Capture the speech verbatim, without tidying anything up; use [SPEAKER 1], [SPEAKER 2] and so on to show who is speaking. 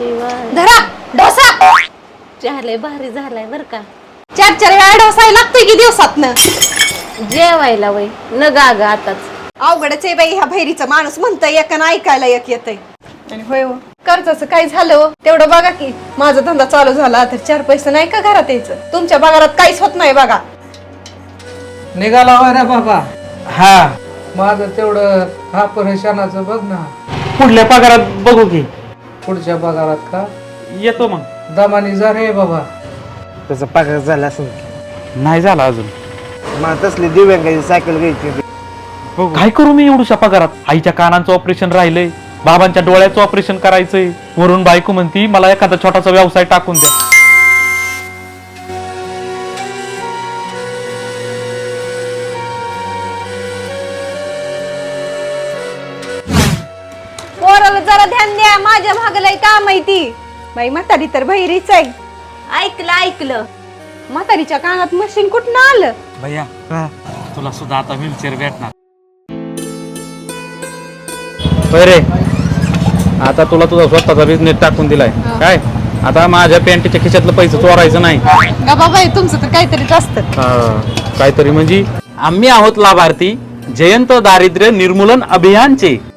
[SPEAKER 1] शिवाय.
[SPEAKER 2] धरा डोसा.
[SPEAKER 1] चहा भारी झालाय बर का.
[SPEAKER 2] चार चार वेळा डोसा लागतोय की दिवसातनं.
[SPEAKER 1] जेवायला वय न गाग आताच.
[SPEAKER 2] अवघडच आहे बाई ह्या भैरीचं. माणूस म्हणतंय एक आणि ऐकायला एक येतंय. आणि होय हो कर्जाचं काय झालं तेवढं बघा की. माझा धंदा चालू झाला तर चार पैसे नाही का घरात यायचं. तुमच्या पगारात काहीच होत नाही बघा.
[SPEAKER 3] निघाला होय रे बाबा. हा माझं तेवढं हा परेशानाचं बघ ना.
[SPEAKER 4] पुढल्या पगारात बघू की.
[SPEAKER 3] पुढच्या पगारात का
[SPEAKER 4] येतो मग.
[SPEAKER 3] दमानी जा रे बाबा.
[SPEAKER 5] त्याचा पगार झाला असेल.
[SPEAKER 4] नाही झाला अजून.
[SPEAKER 5] मला तसली दिव्यांगाची सायकल घ्यायची.
[SPEAKER 4] काय करू मी एवढूशा पगारात. आईच्या कानांचं ऑपरेशन राहिलंय, बाबांच्या डोळ्याचं ऑपरेशन करायचंय. वरून बायको म्हणती मला एखादा छोटासा व्यवसाय टाकून द्या.
[SPEAKER 2] पोराला जरा ध्यान द्या. माझ्या भागलाय काम आहे ती. बाई म्हातारी तर बहिरीच आहे.
[SPEAKER 1] ऐकलं ऐकलं.
[SPEAKER 2] म्हातारीच्या कानात मशीन कुठं आलं.
[SPEAKER 4] भैया तुला सुद्धा आता व्हीलचेअर भेटणार. रे आता तुला तुझा स्वतःचा बिझनेस टाकून दिलाय काय. आता माझ्या पॅन्टीच्या खिशातलं पैसे चोरायचं नाही.
[SPEAKER 2] गा बाबा तुमचं तर काहीतरीच असतं.
[SPEAKER 4] काहीतरी म्हणजे आम्ही आहोत लाभार्थी जयंत दारिद्र्य निर्मूलन अभियानचे.